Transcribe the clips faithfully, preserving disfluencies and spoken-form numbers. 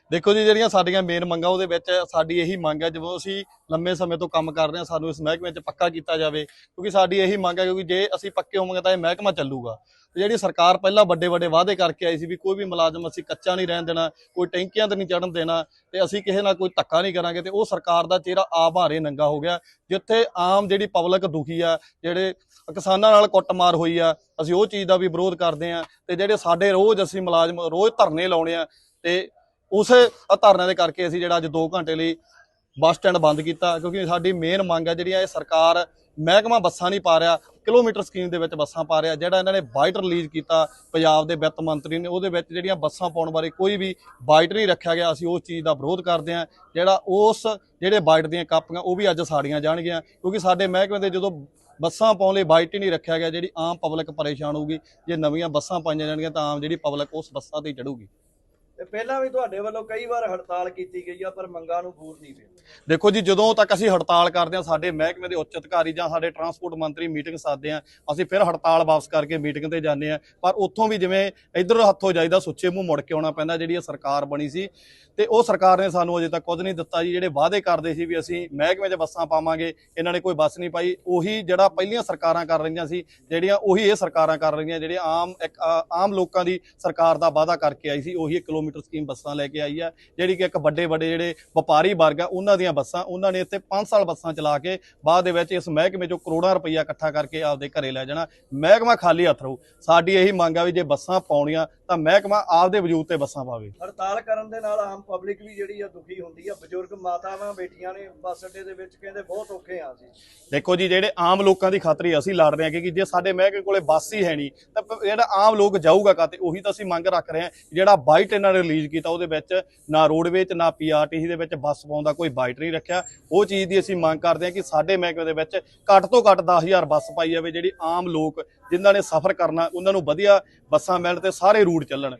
देखो जी ਜਿਹੜੀਆਂ ਸਾਡੀਆਂ ਮੇਨ ਮੰਗਾਂ ਉਹਦੇ ਵਿੱਚ ਸਾਡੀ ਇਹੀ ਮੰਗ ਹੈ ਜਦੋਂ ਅਸੀਂ ਲੰਮੇ ਸਮੇਂ ਤੋਂ ਕੰਮ ਕਰ ਰਹੇ ਹਾਂ ਸਾਨੂੰ ਇਸ ਮਹਿਕਮੇ 'ਚ ਪੱਕਾ ਕੀਤਾ ਜਾਵੇ ਕਿਉਂਕਿ ਸਾਡੀ ਇਹੀ ਮੰਗ ਹੈ ਕਿਉਂਕਿ ਜੇ ਅਸੀਂ ਪੱਕੇ ਹੋਵਾਂਗੇ ਤਾਂ ਇਹ ਮਹਿਕਮਾ ਚੱਲੂਗਾ ਤੇ ਜਿਹੜੀ ਸਰਕਾਰ ਪਹਿਲਾਂ ਵੱਡੇ ਵੱਡੇ ਵਾਅਦੇ ਕਰਕੇ ਆਈ ਸੀ ਵੀ ਕੋਈ ਵੀ ਮੁਲਾਜ਼ਮ ਅਸੀਂ ਕੱਚਾ ਨਹੀਂ ਰਹਿਣ ਦੇਣਾ ਕੋਈ ਟੈਂਕੀਆਂ ਤੇ ਨਹੀਂ ਚੜਨ ਦੇਣਾ ਤੇ ਅਸੀਂ ਕਿਸੇ ਨਾਲ ਕੋਈ ਧੱਕਾ ਨਹੀਂ ਕਰਾਂਗੇ ਤੇ ਉਹ ਸਰਕਾਰ ਦਾ ਚਿਹਰਾ ਆਪ ਹਾਰੇ ਨੰਗਾ ਹੋ ਗਿਆ ਜਿੱਥੇ ਆਮ ਜਿਹੜੀ ਪਬਲਿਕ ਦੁਖੀ ਆ ਜਿਹੜੇ ਕਿਸਾਨਾਂ ਨਾਲ ਕੁੱਟਮਾਰ ਹੋਈ ਆ ਅਸੀਂ ਉਹ ਚੀਜ਼ ਦਾ ਵੀ ਵਿਰੋਧ ਕਰਦੇ ਆ ਤੇ ਜਿਹੜੇ ਸਾਡੇ ਰੋਜ਼ ਅਸੀਂ ਮੁਲਾਜ਼ਮ ਰੋਜ਼ ਧਰਨੇ ਲਾਉਣੇ ਆ ਤੇ उस धरने के करके असीं जिहड़ा अज दो घंटे लिए बस स्टैंड बंद किया क्योंकि साडी मेन मंग है जिहड़ी सरकार महकमा बसां नहीं पा रहा किलोमीटर स्कीम दे विच बसां पा रहा जिहड़ा इन्हां ने बाइट रिलीज़ किया पंजाब दे वित्त मंत्री ने उहदे विच जिहड़ियां बसां पाउण बारे कोई भी बाइट नहीं रखा गया असीं उस चीज़ का विरोध करते हैं जिहड़ा उस जिहड़े बाइट दीयां कापियां वो भी अज साड़ियां जाणगीआं क्योंकि साडे महकमे दे जदों बसां पाउण लई बाइट ही नहीं रखा गया जिहड़ी आम पब्लिक परेशान होगी जे नवीं बसां पाईआं जाणगीआं तां आम जिहड़ी पब्लिक उस बसां ते चढ़ूगी। ਪਹਿਲਾਂ ਵੀ ਤੁਹਾਡੇ ਵੱਲੋਂ ਕਈ ਵਾਰ ਹੜਤਾਲ ਕੀਤੀ ਗਈ ਆ ਪਰ ਮੰਗਾਂ ਨੂੰ ਪੂਰ ਨਹੀਂ ਪਿਆ। ਦੇਖੋ ਜੀ ਜਦੋਂ ਤੱਕ ਅਸੀਂ ਹੜਤਾਲ ਕਰਦੇ ਹਾਂ ਸਾਡੇ ਮਹਿਕਮੇ ਦੇ ਉੱਚ ਅਧਿਕਾਰੀ ਜਾਂ ਸਾਡੇ ਟਰਾਂਸਪੋਰਟ ਮੰਤਰੀ ਮੀਟਿੰਗ ਸਾਧਦੇ ਆ ਅਸੀਂ ਫਿਰ ਹੜਤਾਲ ਵਾਪਸ ਕਰਕੇ ਮੀਟਿੰਗ ਤੇ ਜਾਂਦੇ ਆ ਪਰ ਉੱਥੋਂ ਵੀ ਜਿਵੇਂ ਇੱਧਰ ਹੱਥੋਂ ਜਾਈਦਾ ਸੁੱਚੇ ਮੂੰਹ ਮੁੜ ਕੇ ਆਉਣਾ ਪੈਂਦਾ ਜਿਹੜੀ ਇਹ ਸਰਕਾਰ ਬਣੀ ਸੀ ਤੇ ਉਹ ਸਰਕਾਰ ਨੇ ਸਾਨੂੰ ਅਜੇ ਤੱਕ ਕੁਝ ਨਹੀਂ ਦਿੱਤਾ ਜੀ ਜਿਹੜੇ ਵਾਅਦੇ ਕਰਦੇ ਸੀ ਵੀ ਅਸੀਂ ਮਹਿਕਮੇ 'ਚ ਬੱਸਾਂ ਪਾਵਾਂਗੇ ਇਹਨਾਂ ਨੇ ਕੋਈ ਬੱਸ ਨਹੀਂ ਪਾਈ ਉਹੀ ਜਿਹੜਾ ਪਹਿਲੀਆਂ ਸਰਕਾਰਾਂ ਕਰ ਰਹੀਆਂ ਸੀ ਜਿਹੜੀਆਂ ਉਹੀ ਇਹ ਸਰਕਾਰਾਂ ਕਰ ਰਹੀਆਂ ਜਿਹੜੀਆਂ ਆਮ ਇੱਕ ਆਮ ਲੋਕਾਂ ਦੀ ਸਰਕਾਰ ਦਾ ਵਾਅਦਾ ਕਰਕੇ ਆਈ ਸੀ ਉਹੀ ਕਿਲੋਮੀਟਰ ਸਕੀਮ ਬੱਸਾਂ ਲੈ ਕੇ ਆਈ ਆ ਜਿਹੜੀ ਕਿ ਇੱਕ ਵੱਡੇ ਵੱਡੇ ਜਿਹੜੇ ਵਪਾਰੀ ਵਰਗ ਆ ਉਹਨਾਂ ਦੀਆਂ ਬੱਸਾਂ ਉਹਨਾਂ ਨੇ ਇੱਥੇ ਪੰਜ ਸਾਲ ਬੱਸਾਂ ਚਲਾ ਕੇ ਬਾਅਦ ਦੇ ਵਿੱਚ ਇਸ ਮਹਿਕਮੇ 'ਚੋਂ ਕਰੋੜਾਂ ਰੁਪਈਆ ਇਕੱਠਾ ਕਰਕੇ ਆਪਦੇ ਘਰੇ ਲੈ ਜਾਣਾ ਮਹਿਕਮਾ ਖਾਲੀ ਹੱਥ ਰਹੂ। ਸਾਡੀ ਇਹੀ ਮੰਗ ਆ ਵੀ ਜੇ ਬੱਸਾਂ ਪਾਉਣੀਆਂ ਤਾਂ ਮਹਿਕਮਾ ਆਪਦੇ ਵਜੂਦ ਤੇ ਬੱਸਾਂ ਪਾਵੇ। ਹੜਤਾਲ ਕਰਨ ਦੇ ਨਾਲ ਆਮ ਪਬਲਿਕ ਵੀ ਜਿਹੜੀ ਆ ਦੁਖੀ ਹੁੰਦੀ ਆ ਬਜ਼ੁਰਗ ਮਾਤਾਵਾਂ ਬੇਟੀਆਂ ਨੇ ਬੱਸ ਅੱਡੇ ਦੇ ਵਿੱਚ ਕਹਿੰਦੇ ਬਹੁਤ ਔਖੇ ਆ ਸੀ। ਦੇਖੋ ਜੀ ਜਿਹੜੇ ਆਮ ਲੋਕਾਂ ਦੀ ਖਾਤਰ ਹੀ ਅਸੀਂ ਲੜ ਰਹੇ ਹਾਂ ਕਿ ਜੇ ਸਾਡੇ ਮਹਿਕਮੇ ਕੋਲੇ ਬੱਸ ਹੀ ਹੈ ਨਹੀਂ ਤਾਂ ਜਿਹੜਾ ਆਮ ਲੋਕ ਜਾਊਗਾ ਕਾਤੇ ਉਹੀ ਤਾਂ ਅਸੀਂ ਮੰਗ ਰੱਖ ਰਹੇ ਹਾਂ। ਜਿਹੜਾ ਬਾਈਟ ਇਹਨਾਂ ਨੇ ਰਿਲੀਜ਼ ਕੀਤਾ ਉਹਦੇ ਵਿੱਚ ਨਾ ਰੋਡਵੇਜ਼ ਨਾ ਪੀਆਰਟੀਸੀ ਦੇ ਵਿੱਚ ਬੱਸ ਪਾਉਣ ਦਾ ਕੋਈ ਬਾਈਟ ਨਹੀਂ ਰੱਖਿਆ ਉਹ ਚੀਜ਼ ਦੀ ਅਸੀਂ ਮੰਗ ਕਰਦੇ ਹਾਂ ਕਿ ਸਾਡੇ ਮਹਿਕਮੇ ਦੇ ਵਿੱਚ ਘੱਟ ਤੋਂ ਘੱਟ ਦਸ ਹਜ਼ਾਰ ਬੱਸ ਪਾਈ ਜਾਵੇ ਜਿਹੜੀ ਆਮ ਲੋਕ ਜਿਨ੍ਹਾਂ ਨੇ ਸਫ਼ਰ ਕਰਨਾ ਉਹਨਾਂ ਨੂੰ ਵਧੀਆ ਬੱਸਾਂ ਮਿਲਣ ਤੇ ਸਾਰੇ ਰੂਟ ਚੱਲਣ।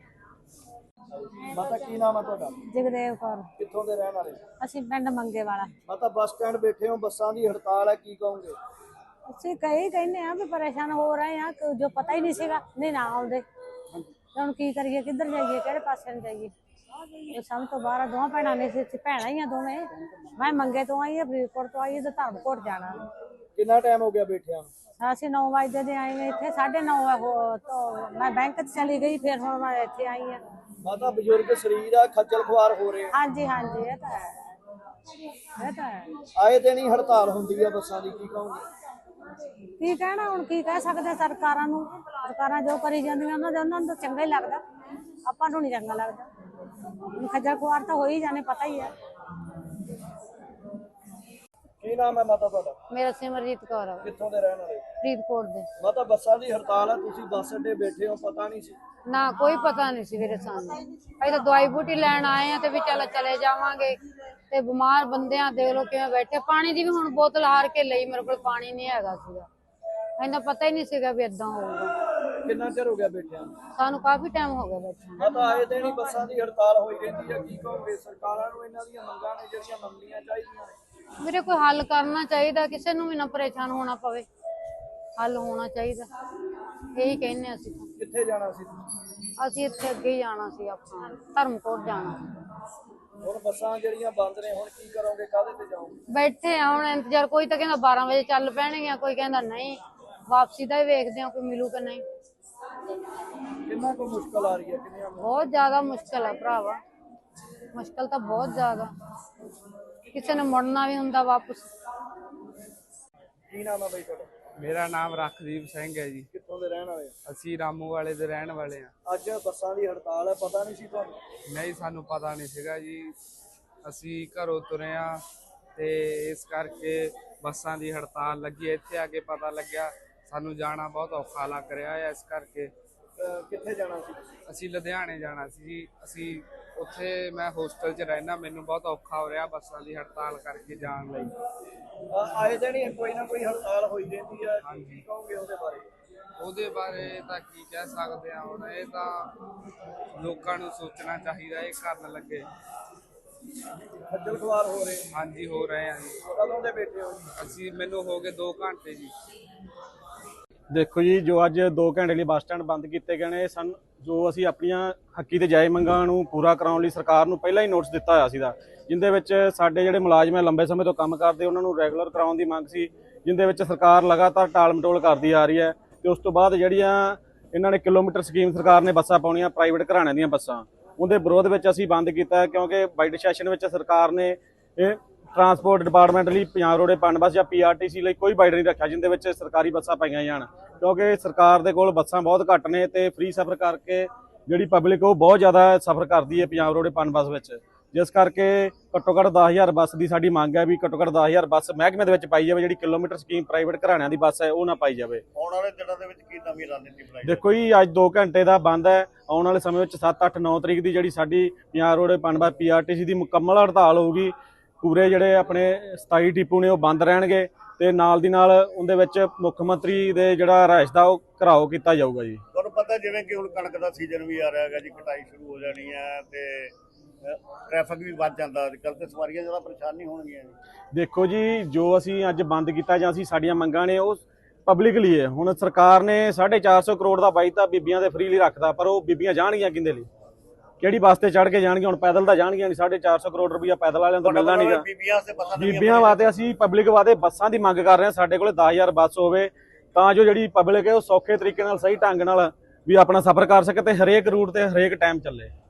ਮਾਤਾ ਕੀ ਨਾਮ ਹੈ ਤੁਹਾਡਾ? ਜਗਦੇਵ ਕੌਰ। ਕਿੱਥੋਂ ਦੇ ਰਹਿਣ ਵਾਲੇ? ਅਸੀਂ ਪਿੰਡ ਮੰਗੇ ਵਾਲਾ। ਮਾਤਾ ਬੱਸ ਸਟੈਂਡ ਬੈਠੇ ਹੋ ਬੱਸਾਂ ਦੀ ਹੜਤਾਲ ਹੈ ਕੀ ਕਹੋਗੇ? ਅਸੀਂ ਕਈ ਕਹਿੰਦੇ ਆ ਵੀ ਪਰੇਸ਼ਾਨ ਹੋ ਰਹੇ ਆ ਜੋ ਪਤਾ ਹੀ ਨਹੀਂ ਸੀਗਾ ਨਹੀਂ ਨਾ ਆਉਂਦੇ ਹੁਣ ਕੀ ਕਰੀਏ ਕਿੱਧਰ ਜਾਈਏ ਕਿਹੜੇ ਪਾਸੇ ਨੂੰ ਜਾਈਏ ਇਹ ਸਭ ਤੋਂ ਬਾਹਰ ਦੋਵਾਂ ਭੈਣਾਂ ਨੇ ਸੀ ਭੈਣਾਂ ਹੀ ਆ ਦੋਵੇਂ ਮੈਂ ਮੰਗੇ ਤੋਂ ਆਈ ਆ ਫਰੀਦਕੋਟ ਤੋਂ ਆਈ ਤੇ ਧਰਮਕੋਟ ਜਾਣਾ। ਕਿੰਨਾ ਟਾਈਮ ਹੋ ਗਿਆ ਬੈਠਿਆਂ ਨੂੰ? ਅਸੀਂ ਨੌ ਵਜੇ ਦੇ ਆਏ ਇੱਥੇ ਸਾਢੇ ਨੌ ਤੋਂ ਮੈਂ ਬੈਂਕ 'ਚ ਚਲੀ ਗਈ ਫਿਰ ਹੁਣ ਮੈਂ ਇੱਥੇ ਆਈ ਆ। ਮਾਤਾ ਬਜ਼ੁਰਗ ਸਰੀਰ ਆ ਖੱਜਲ ਖੁਆਰ ਹੋ ਰਹੇ ਹਾਂਜੀ ਹਾਂਜੀ ਇਹ ਤਾਂ ਹੈ ਇਹ ਤਾਂ ਹੈ ਆਏ ਦਿਨ ਹੀ ਹੜਤਾਲ ਹੁੰਦੀ ਆ ਬੱਸਾਂ ਦੀ ਕੀ ਕਹੋਗੇ? ਕੀ ਕਹਿਣਾ ਹੁਣ ਕੀ ਕਹਿ ਸਕਦੇ ਸਰਕਾਰਾਂ ਨੂੰ ਸਰਕਾਰਾਂ ਜੋ ਕਰੀ ਜਾਂਦੀਆਂ ਉਹਨਾਂ ਦੇ ਉਹਨਾਂ ਨੂੰ ਤਾਂ ਚੰਗਾ ਹੀ ਲੱਗਦਾ ਆਪਾਂ ਨੂੰ ਨਹੀਂ ਚੰਗਾ ਲੱਗਦਾ ਖੱਜਲ ਖੁਆਰ ਤਾਂ ਹੋ ਹੀ ਜਾਣੇ ਪਤਾ ਹੀ ਹੈ। ਕੀ ਨਾਮ ਹੈ ਮਾਤਾ ਤੁਹਾਡਾ? ਮੇਰਾ ਸਿਮਰਜੀਤ ਕੌਰ ਆ। ਕਿੱਥੋਂ ਦੇ ਰਹਿਣ ਵਾਲੇ? ਫਰੀਦਕੋਟ ਦੇ। ਮਾਤਾ ਬੱਸਾਂ ਦੀ ਹੜਤਾਲ ਹੈ ਤੁਸੀਂ ਬੱਸ ਅੱਡੇ ਬੈਠੇ ਹੋ ਪਤਾ ਨਹੀਂ ਸੀ? ਨਾ ਕੋਈ ਪਤਾ ਨਹੀਂ ਸੀ ਵੀਰੇ ਸਾਨੂੰ ਅਸੀਂ ਤਾਂ ਦਵਾਈ ਬੂਟੀ ਲੈਣ ਆਏ ਆ ਤੇ ਵੀ ਚੱਲ ਚਲੇ ਜਾਵਾਂਗੇ ਤੇ ਬਿਮਾਰ ਬੰਦਿਆਂ ਦੇਖ ਲੋ ਕਿਵੇਂ ਬੈਠੇ ਪਾਣੀ ਦੀ ਵੀ ਹੁਣ ਬੋਤਲ ਹਾਰ ਕੇ ਲਈ ਮੇਰੇ ਕੋਲ ਪਾਣੀ ਨਹੀਂ ਹੈਗਾ ਸੀਗਾ ਇਹਨਾਂ ਪਤਾ ਹੀ ਨਹੀਂ ਸੀਗਾ ਵੀ ਏਦਾਂ ਹੋਊਗਾ। ਕਿੰਨਾ ਚਿਰ ਹੋ ਗਿਆ ਬੈਠਿਆਂ ਨੂੰ? ਸਾਨੂੰ ਕਾਫੀ ਟਾਈਮ ਹੋ ਗਿਆ ਬੈਠਿਆਂ ਮਾਤਾ ਆਏ ਦਿਨ ਹੀ ਬੱਸਾਂ ਦੀ ਹੜਤਾਲ ਹੋਈ ਰਹਿੰਦੀ ਹੈ ਕੀ ਕਹੋਗੇ ਸਰਕਾਰਾਂ ਨੂੰ ਇਹਨਾਂ ਦੀਆਂ ਮੰਗਾਂ ਨੇ ਜਿਹੜੀਆਂ ਮੰਨਣੀਆਂ ਚਾਹੀਦੀਆਂ ਨੇ? ਵੀਰੇ ਕੋਈ ਹੱਲ ਕਰਨਾ ਚਾਹੀਦਾ ਕਿਸੇ ਨੂੰ ਵੀ ਨਾ ਪਰੇਸ਼ਾਨ ਹੋਣਾ ਪਵੇ ਹੱਲ ਹੋਣਾ ਚਾਹੀਦਾ ਇਹੀ ਕਹਿੰਦੇ ਅਸੀਂ। ਕਿੱਥੇ ਜਾਣਾ ਸੀ? ਅਸੀਂ ਇੱਥੇ ਅੱਗੇ ਹੀ ਜਾਣਾ ਸੀ ਆਪਣਾ ਧਰਮਕੋਟ ਜਾਣਾ। ਹੁਣ ਬੱਸਾਂ ਜਿਹੜੀਆਂ ਬੰਦ ਨੇ ਹੁਣ ਕੀ ਕਰੋਗੇ ਕਾਹਦੇ ਤੇ ਜਾਓਗੇ? ਬੈਠੇ ਆ ਹੁਣ ਇੰਤਜ਼ਾਰ ਕੋਈ ਤਾਂ ਕਹਿੰਦਾ ਬਾਰਾਂ ਵਜੇ ਚੱਲ ਪੈਣਗੀਆਂ ਕੋਈ ਕਹਿੰਦਾ ਨਹੀਂ ਵਾਪਸੀ ਦਾ ਹੀ ਵੇਖਦੇ ਆ ਕੋਈ ਮਿਲੂ ਕਿ ਨਹੀਂ। ਕਿੰਨਾ ਕੁ ਮੁਸ਼ਕਲ ਆ ਰਹੀ ਹੈ ਕਿੰਨੀਆਂ ਬਹੁਤ ਜ਼ਿਆਦਾ ਮੁਸ਼ਕਲ ਹੈ ਭਰਾਵਾ ਮੁਸ਼ਕਲ ਤਾਂ ਬਹੁਤ ਜ਼ਿਆਦਾ ਕਿਸੇ ਨੇ ਮੁੜਨਾ ਵੀ ਹੁੰਦਾ ਵਾਪਸ। ਕੀ ਨਾਮ ਹੈ ਬਈ ਤੁਹਾਡਾ? ਮੇਰਾ ਨਾਮ ਰਖਦੀਪ ਸਿੰਘ ਹੈ ਜੀ। ਕਿੱਥੋਂ ਦੇ ਰਹਿਣ ਵਾਲੇ? ਅਸੀਂ ਰਾਮੂ ਵਾਲੇ ਦੇ ਰਹਿਣ ਵਾਲੇ ਆ। ਅੱਜ ਬੱਸਾਂ ਦੀ ਹੜਤਾਲ ਹੈ ਪਤਾ ਨਹੀਂ ਸੀ ਤੁਹਾਨੂੰ? ਨਹੀਂ ਸਾਨੂੰ ਪਤਾ ਨਹੀਂ ਸੀਗਾ ਜੀ ਅਸੀਂ ਘਰੋਂ ਤੁਰੇ ਆ ਤੇ ਇਸ ਕਰਕੇ ਬੱਸਾਂ ਦੀ ਹੜਤਾਲ ਲੱਗੀ ਇੱਥੇ ਆ ਕੇ ਪਤਾ ਲੱਗਿਆ ਸਾਨੂੰ ਜਾਣਾ ਬਹੁਤ ਔਖਾ ਲੱਗ ਰਿਹਾ ਹੈ ਇਸ ਕਰਕੇ। ਕਿੱਥੇ ਜਾਣਾ ਸੀ? ਅਸੀਂ ਲੁਧਿਆਣੇ ਜਾਣਾ ਸੀ ਜੀ। ਅਸੀਂ ਉੱਥੇ ਮੈਂ ਹੋਸਟਲ 'ਚ ਰਹਿਣਾ ਮੈਨੂੰ ਬਹੁਤ ਔਖਾ ਹੋ ਰਿਹਾ ਬੱਸਾਂ ਦੀ ਹੜਤਾਲ ਕਰਕੇ ਜਾਣ ਲਈ। ਆਏ ਦਿਨ ਹੀ ਕੋਈ ਨਾ ਕੋਈ ਹੜਤਾਲ ਹੋਈ ਰਹਿੰਦੀ ਹੈ ਹਾਂਜੀ। ਕੀ ਕਹੋਗੇ ਉਹਦੇ ਬਾਰੇ? ਉਹਦੇ ਬਾਰੇ ਤਾਂ ਕੀ ਕਹਿ ਸਕਦੇ ਆ ਹੁਣ ਇਹ ਤਾਂ ਲੋਕਾਂ ਨੂੰ ਸੋਚਣਾ ਚਾਹੀਦਾ ਇਹ ਕਰਨ ਲੱਗੇ। ਖੱਜਲ ਖੁਆਰ ਹੋ ਰਹੇ? ਹਾਂਜੀ ਹੋ ਰਹੇ ਆ ਜੀ। ਕਦੋਂ ਦੇ ਬੈਠੇ ਹੋ? ਅਸੀਂ ਮੈਨੂੰ ਹੋ ਗਏ ਦੋ ਘੰਟੇ ਜੀ। देखो जी जो अज दो घंटे लिए बस स्टैंड बंद किए गए ने सन ਜੋ ਅਸੀਂ ਆਪਣੀਆਂ ਹੱਕੀ ਤੇ ਜਾਇਜ਼ ਮੰਗਾਂ ਨੂੰ ਪੂਰਾ ਕਰਾਉਣ ਲਈ ਸਰਕਾਰ ਨੂੰ ਪਹਿਲਾਂ ਹੀ ਨੋਟਿਸ ਦਿੱਤਾ ਹੋਇਆ ਸੀਗਾ, ਜਿੰਦੇ ਵਿੱਚ ਸਾਡੇ ਜਿਹੜੇ ਮੁਲਾਜ਼ਮ ਹੈ ਲੰਬੇ ਸਮੇਂ ਤੋਂ ਕੰਮ ਕਰਦੇ ਉਹਨਾਂ ਨੂੰ ਰੈਗੂਲਰ ਕਰਾਉਣ ਦੀ ਮੰਗ ਸੀ, ਜਿੰਦੇ ਵਿੱਚ ਸਰਕਾਰ ਲਗਾਤਾਰ ਟਾਲ ਮਟੋਲ ਕਰਦੀ ਆ ਰਹੀ ਹੈ। ਤੇ ਉਸ ਤੋਂ ਬਾਅਦ ਜਿਹੜੀਆਂ ਇਹਨਾਂ ਨੇ ਕਿਲੋਮੀਟਰ ਸਕੀਮ ਸਰਕਾਰ ਨੇ ਬੱਸਾਂ ਪਾਉਣੀਆਂ ਪ੍ਰਾਈਵੇਟ ਘਰਾਣਿਆਂ ਦੀਆਂ ਬੱਸਾਂ, ਉਹਦੇ ਵਿਰੋਧ ਵਿੱਚ ਅਸੀਂ ਬੰਦ ਕੀਤਾ, ਕਿਉਂਕਿ ਬਜਟ ਸੈਸ਼ਨ ਵਿੱਚ ਸਰਕਾਰ ਨੇ ਇਹ ਟਰਾਂਸਪੋਰਟ ਡਿਪਾਰਟਮੈਂਟ ਲਈ ਪੰਜਾਬ ਰੋਡ ਪਨ ਬੱਸ ਜਾਂ ਪੀ ਆਰ ਟੀ ਸੀ ਲਈ ਕੋਈ ਬਾਈਡ ਨਹੀਂ ਰੱਖਿਆ ਜਿੰਦੇ ਵਿੱਚ ਸਰਕਾਰੀ ਬੱਸਾਂ ਪਾਈਆਂ ਜਾਣ, ਕਿਉਂਕਿ ਸਰਕਾਰ ਦੇ ਕੋਲ ਬੱਸਾਂ ਬਹੁਤ ਘੱਟ ਨੇ ਤੇ ਫ੍ਰੀ ਸਫ਼ਰ ਕਰਕੇ ਜਿਹੜੀ ਪਬਲਿਕ ਉਹ ਬਹੁਤ ਜ਼ਿਆਦਾ ਸਫ਼ਰ ਕਰਦੀ ਹੈ ਪੰਜਾਬ ਰੋਡ ਪਨ ਬੱਸ ਵਿੱਚ, ਜਿਸ ਕਰਕੇ ਘੱਟੋ ਘੱਟ ਦਸ ਹਜ਼ਾਰ ਬੱਸ ਦੀ ਸਾਡੀ ਮੰਗ ਹੈ ਵੀ ਘੱਟੋ ਘੱਟ ਦਸ ਹਜ਼ਾਰ ਬੱਸ ਮਹਿਕਮੇ ਦੇ ਵਿੱਚ ਪਾਈ ਜਾਵੇ, ਜਿਹੜੀ ਕਿਲੋਮੀਟਰ ਸਕੀਮ ਪ੍ਰਾਈਵੇਟ ਘਰਾਣਿਆਂ ਦੀ ਬੱਸ ਹੈ ਉਹ ਨਾ ਪਾਈ ਜਾਵੇ। ਆਉਣ ਵਾਲੇ ਦਿਨਾਂ ਦੇ ਵਿੱਚ ਕੀ ਨਵੀਂ ਰਣਨੀਤੀ ਬਣਾਈ ਦੇਖੋ ਜੀ, ਅੱਜ ਦੋ ਘੰਟੇ ਦਾ ਬੰਦ ਹੈ, ਆਉਣ ਵਾਲੇ ਸਮੇਂ ਵਿੱਚ ਸੱਤ ਅੱਠ ਨੌ ਤਰੀਕ ਦੀ ਜਿਹੜੀ ਸਾਡੀ ਪੰਜਾਬ ਰੋਡ ਪਨ ਬੱਸ ਪੀ ਆਰ ਟੀ ਸੀ ਦੀ ਮੁਕੰਮਲ ਹੜਤਾਲ ਹੋਊਗੀ। ਪੂਰੇ ਜਿਹੜੇ ਆਪਣੇ ਸਤਾਈ ਟਿੱਪੂ ਨੇ ਉਹ ਬੰਦ ਰਹਿਣਗੇ ਤੇ ਨਾਲ ਦੀ ਨਾਲ ਉਹਦੇ ਵਿੱਚ ਮੁੱਖ ਮੰਤਰੀ ਦੇ ਜਿਹੜਾ ਰਿਹਾਇਸ਼ ਦਾ ਉਹ ਘਿਰਾਓ ਕੀਤਾ ਜਾਊਗਾ ਜੀ। ਤੁਹਾਨੂੰ ਪਤਾ ਜਿਵੇਂ ਕਿ ਹੁਣ ਕਣਕ ਦਾ ਸੀਜ਼ਨ ਵੀ ਆ ਰਿਹਾ ਹੈਗਾ ਜੀ, ਕਟਾਈ ਸ਼ੁਰੂ ਹੋ ਜਾਣੀ ਹੈ ਤੇ ਟ੍ਰੈਫਿਕ ਵੀ ਵੱਧ ਜਾਂਦਾ, ਅੱਜ ਕੱਲ੍ਹ ਤੇ ਸਵਾਰੀਆਂ ਜ਼ਿਆਦਾ ਪਰੇਸ਼ਾਨ ਨਹੀਂ ਹੋਣਗੀਆਂ ਜੀ। ਦੇਖੋ ਜੀ, ਜੋ ਅਸੀਂ ਅੱਜ ਬੰਦ ਕੀਤਾ ਜਾਂ ਅਸੀਂ ਸਾਡੀਆਂ ਮੰਗਾਂ ਨੇ ਉਹ ਪਬਲਿਕ ਲਈ ਹੈ। ਹੁਣ ਸਰਕਾਰ ਨੇ ਸਾਢੇ ਚਾਰ ਸੌ ਕਰੋੜ ਦਾ ਬਾਈ ਤਾਂ ਬੀਬੀਆਂ ਦੇ ਫ੍ਰੀ ਲਈ ਰੱਖਦਾ, ਪਰ ਉਹ ਬੀਬੀਆਂ ਜਾਣਗੀਆਂ ਕਿਹਦੇ ਲਈ, ਕਿਹੜੀ ਬੱਸ ਤੇ ਚੜ੍ਹ ਕੇ ਜਾਣਗੀਆਂ? ਹੁਣ ਪੈਦਲ ਤਾਂ ਜਾਣਗੀਆਂ ਨਹੀਂ, ਸਾਢੇ ਚਾਰ ਸੌ ਕਰੋੜ ਰੁਪਈਆ ਪੈਦਲ ਵਾਲਿਆਂ ਤੋਂ ਮਿਲਣਾ ਨਹੀਂਗਾ। ਬੀਬੀਆਂ ਵਾਸਤੇ ਅਸੀਂ ਪਬਲਿਕ ਵਾਸਤੇ ਬੱਸਾਂ ਦੀ ਮੰਗ ਕਰ ਰਹੇ ਹਾਂ, ਸਾਡੇ ਕੋਲ ਦਸ ਹਜ਼ਾਰ ਬੱਸ ਹੋਵੇ ਤਾਂ ਜੋ ਜਿਹੜੀ ਪਬਲਿਕ ਹੈ ਉਹ ਸੌਖੇ ਤਰੀਕੇ ਨਾਲ ਸਹੀ ਢੰਗ ਨਾਲ ਵੀ ਆਪਣਾ ਸਫ਼ਰ ਕਰ ਸਕੇ ਤੇ ਹਰੇਕ ਰੂਟ ਤੇ ਹਰੇਕ ਟਾਈਮ ਚੱਲੇ।